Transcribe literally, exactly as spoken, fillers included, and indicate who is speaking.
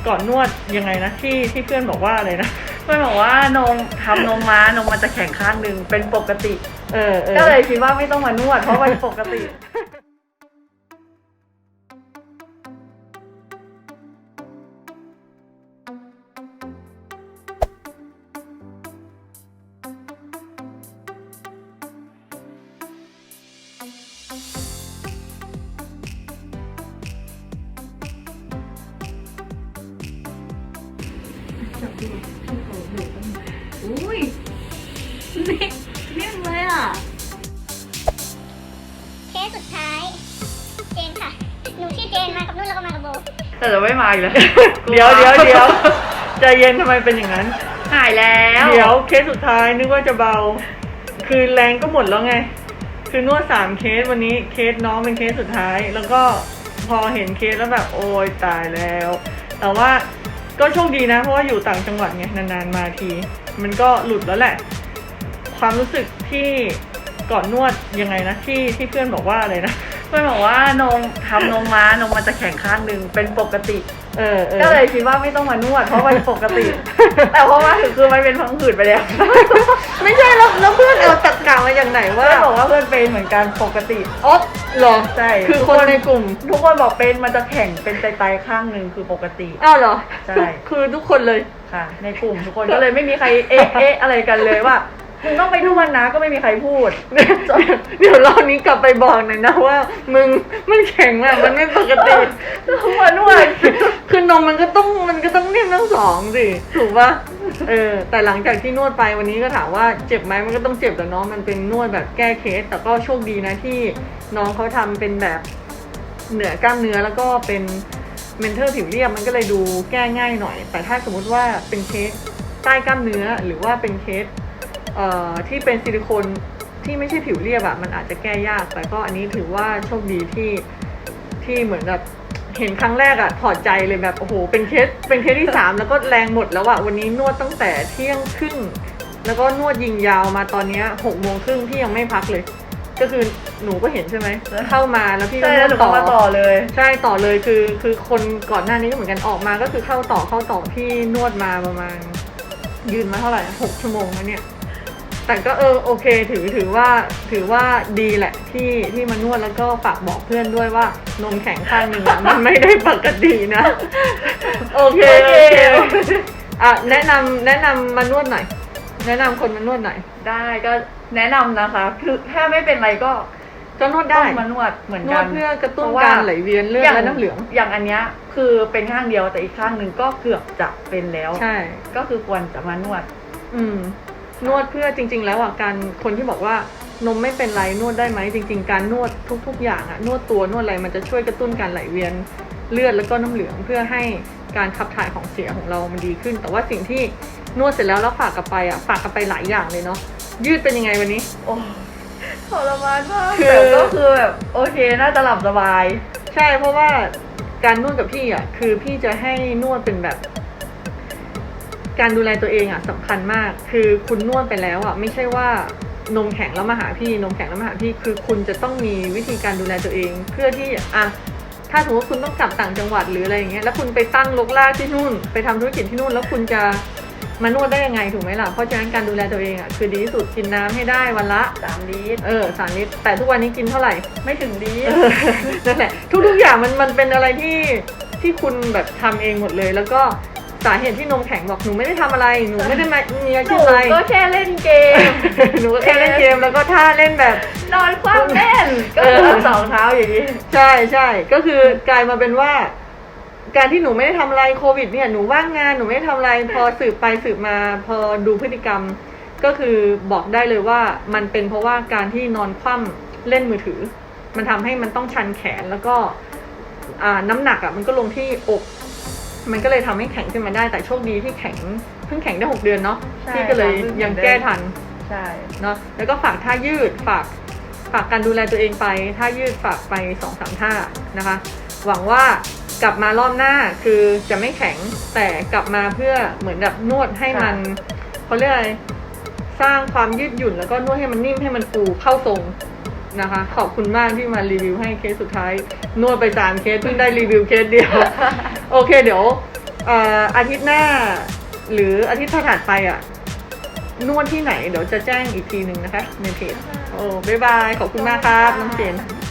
Speaker 1: ก่อนนวดยังไงนะที่ที่เพื่อนบอกว่าอะไรนะ
Speaker 2: เพื่อนบอกว่านมทำนมม้านมมันจะแข็งข้างหนึ่งเป็นปกติ
Speaker 1: เออ
Speaker 2: ก็เลยคิดว่าไม่ต้องมานวดเพราะมันปกติอุ้ยนี่นิ่มเลยอ่ะ
Speaker 3: เคสสุดท้ายเจนค่ะหนูชื่อเจนมากับนุ่นแล้วก็มากับโบ
Speaker 2: แต่จะไม่มาอีกแล้ว
Speaker 1: เดี๋ยวเดี๋ยวเดี๋ยวใจเย็นทำไมเป็นอย่างนั้น
Speaker 2: หายแล้ว
Speaker 1: เดี๋ยวเคสสุดท้ายนึกว่าจะเบาคือแรงก็หมดแล้วไงคือนวดสามเคสวันนี้เคสน้องเป็นเคสสุดท้ายแล้วก็พอเห็นเคสแล้วแบบโอ้ยตายแล้วแต่ว่าก็โชคดีนะเพราะว่าอยู่ต่างจังหวัดไงนานๆมาทีมันก็หลุดแล้วแหละความรู้สึกที่ก่อนนวดยังไงนะที่ที่เพื่อนบอกว่าอะไรนะ
Speaker 2: เพื่อนบอกว่านมทำนมม้านมมันจะแข็งข้างหนึ่งเป็นปกติ
Speaker 1: เออ
Speaker 2: ก็เลยคิดว่าไม่ต้องมานวดเพราะมันปกติแต่เพราะว่าถึงคือมันเป็นพังผืดไปแล้ว
Speaker 1: ไม่ใช่แล้วแล้วเพื่อนเอาตรรกะมาอย่างไหนว่า
Speaker 2: เพื่อนบอกว่าเพื่อนเป็นเหมือนกันปกติ
Speaker 1: อ๋อหรอ
Speaker 2: ใช่
Speaker 1: คือคนในกลุ่ม
Speaker 2: ทุกคนบอกเป็นมันจะแข็งเป็นไตๆข้างหนึ่งคือปกติ
Speaker 1: อ้าวเหรอ
Speaker 2: ใช่
Speaker 1: คือทุกคนเลย
Speaker 2: ค่ะในกลุ่มทุกคนก็เลยไม่มีใครเอ๊ะเอ๊ะอะไรกันเลยว่ามึงต้องไปนวดนะก็ไม่มีใครพูด
Speaker 1: เดี๋ยวรอบนี้กลับไปบอกหน่อยนะว่ามึงมันแข็งอะมันไม่ปกติ
Speaker 2: ทุกคนนวด
Speaker 1: คือนมมันก็ต้องมันก็ต้องนิ่มทั้งสองสิถูกปะเออแต่หลังจากที่นวดไปวันนี้ก็ถามว่าเจ็บไหมมันก็ต้องเจ็บแต่น้องมันเป็นนวดแบบแก้เคสแต่ก็โชคดีนะที่น้องเขาทำเป็นแบบเหนือกล้ามเนื้อแล้วก็เป็นเมนเทอร์ผิวเรียบมันก็เลยดูแก้ง่ายหน่อยแต่ถ้าสมมุติว่าเป็นเคสใต้กล้ามเนื้อหรือว่าเป็นเคสเอ่อที่เป็นซิลิโคนที่ไม่ใช่ผิวเรียบอะมันอาจจะแก้ยากแต่ก็อันนี้ถือว่าโชคดีที่ที่เหมือนแบบเห็นครั้งแรกอะถอดใจเลยแบบโอ้โหเป็นเคสเป็นเคสที่สามแล้วก็แรงหมดแล้วอะวันนี้นวดตั้งแต่เที่ยงครึ่งแล้วก็นวดยิงยาวมาตอนนี้หกโมงครึ่งที่ยังไม่พักเลยก็คือหนูก็เห็นใช่ไหมเข้ามาแล้วพี่ก็นวดต่อ
Speaker 2: ต่อเลย
Speaker 1: ใช่ต่อเลยคือคือคนก่อนหน้านี้ก็เหมือนกันออกมาก็คือเข้าต่อเข้าต่อพี่นวดมาประมาณยืนมาเท่าไหร่หกชั่วโมงแล้วเนี่ยแต่ก็เออโอเคถือถือว่าถือว่าดีแหละที่ที่มานวดแล้วก็ฝากบอกเพื่อนด้วยว่านมแข็งข้างหนึ่งมันไม่ได้ปกตินะโอเคโอเคอ่ะแนะนำแนะนำมานวดหน่อยแนะนำคนมานวดหน่อย
Speaker 2: ได้ก็แนะนำนะคะคือถ้าไม่เป็นไรก็
Speaker 1: ก็นวดได้
Speaker 2: มานวดเหมือนกัน
Speaker 1: นวดเพื่อกระตุ้นการไหลเวียนเลือดและน้ำเหลือง
Speaker 2: อย่างอันเนี้ยคือเป็นข้างเดียวแต่อีกข้างหนึ่งก็เกือบจะเป็นแล้ว
Speaker 1: ใช่
Speaker 2: ก็คือควรจะมานวด
Speaker 1: อืมนวดเพื่อจริงๆแล้วอ่ะการคนที่บอกว่านมไม่เป็นไรนวดได้ไหมจริงๆการนวดทุกๆอย่างอ่ะนวดตัวนวดอะไรมันจะช่วยกระตุ้นการไหลเวียนเลือดแล้วก็น้ำเหลืองเพื่อให้การขับถ่ายของเสียของเรามันดีขึ้นแต่ว่าสิ่งที่นวดเสร็จแล้วแล้วฝากกลับไปอ่ะฝากกลับไปหลายอย่างเลยเนาะยืดเป็นยังไงวันนี้
Speaker 2: โอ้ทรมานมากแต่ก็คือแบบโอเคน่าจะหลับสบาย
Speaker 1: ใช่เพราะว่าการนวดกับพี่อ่ะคือพี่จะให้นวดเป็นแบบการดูแลตัวเองอ่ะสำคัญมากคือคุณนวดไปแล้วอ่ะไม่ใช่ว่านมแข็งแล้วมาหาพี่นมแข็งแล้วมาหาพี่คือคุณจะต้องมีวิธีการดูแลตัวเองเพื่อที่อ่ะถ้าสมมติว่าคุณต้องกลับต่างจังหวัดหรืออะไรอย่างเงี้ยแล้วคุณไปตั้งลกลากที่นู่นไปทำธุรกิจที่นู่นแล้วคุณจะมานวดได้ยังไงถูกไหมล่ะเพราะฉะนั้นการดูแลตัวเองอ่ะคือดีที่สุดกินน้ำให้ได้วันละ
Speaker 2: สามลิตร
Speaker 1: เออสามลิตรแต่ทุกวันนี้กินเท่าไหร่
Speaker 2: ไม่ถึงลิตร
Speaker 1: นั่นแหละทุกๆอย่างมันมันเป็นอะไรที่ที่คุณแบบทำเองหมดเลยแล้วก็สาเหตุที่นมแข็งบอกหนูไม่ได้ทำอะไรหนูไม่ได้มีอาชีพอะไร
Speaker 2: หนูก็แค่เล่นเกม
Speaker 1: หนูก็แค่เล่นเกมแล้วก็ท่าเล่นแบบ
Speaker 2: นอนคว่ำเล่นก็คือสองเท้าอย่างนี้
Speaker 1: ใช่ใช่ก็คือกลายมาเป็นว่าการที่หนูไม่ได้ทำอะไรโควิดเนี่ยหนูว่างงานหนูไม่ได้ทำอะไรพอสืบไปสืบมาพอดูพฤติกรรมก็คือบอกได้เลยว่ามันเป็นเพราะว่าการที่นอนคว่ำเล่นมือถือมันทำให้มันต้องชันแขนแล้วก็อ่าน้ำหนักอ่ะมันก็ลงที่อกมันก็เลยทำให้แข็งขึ้นมาได้แต่โชคดีที่แข็งเพิ่งแข็งได้หกเดือนเนาะที่ก็เลยยังแก้ทัน
Speaker 2: ใช่
Speaker 1: เนาะแล้วก็ฝากท่ายืดฝากฝากการดูแลตัวเองไปท่ายืดฝากไป สองสาม ท่านะคะหวังว่ากลับมารอบหน้าคือจะไม่แข็งแต่กลับมาเพื่อเหมือนแบบนวดให้มันเขาเรียกอะไรสร้างความยืดหยุ่นแล้วก็นวดให้มันนิ่มให้มันฟูเข้าทรงนะคะขอบคุณมากที่มารีวิวให้เคสสุดท้ายนวดไปสามเคสเพิ่งได้รีวิวเคสเดียวโอเคเดี๋ยวเอ่ออาทิตย์หน้า หรืออาทิตย์ถัดไปอ่ะ นวดที่ไหนเดี๋ยวจะแจ้งอีกทีหนึ่งนะคะ ในเพจโอ้บ๊ายบาย ขอบคุณมากครับ น้องเจน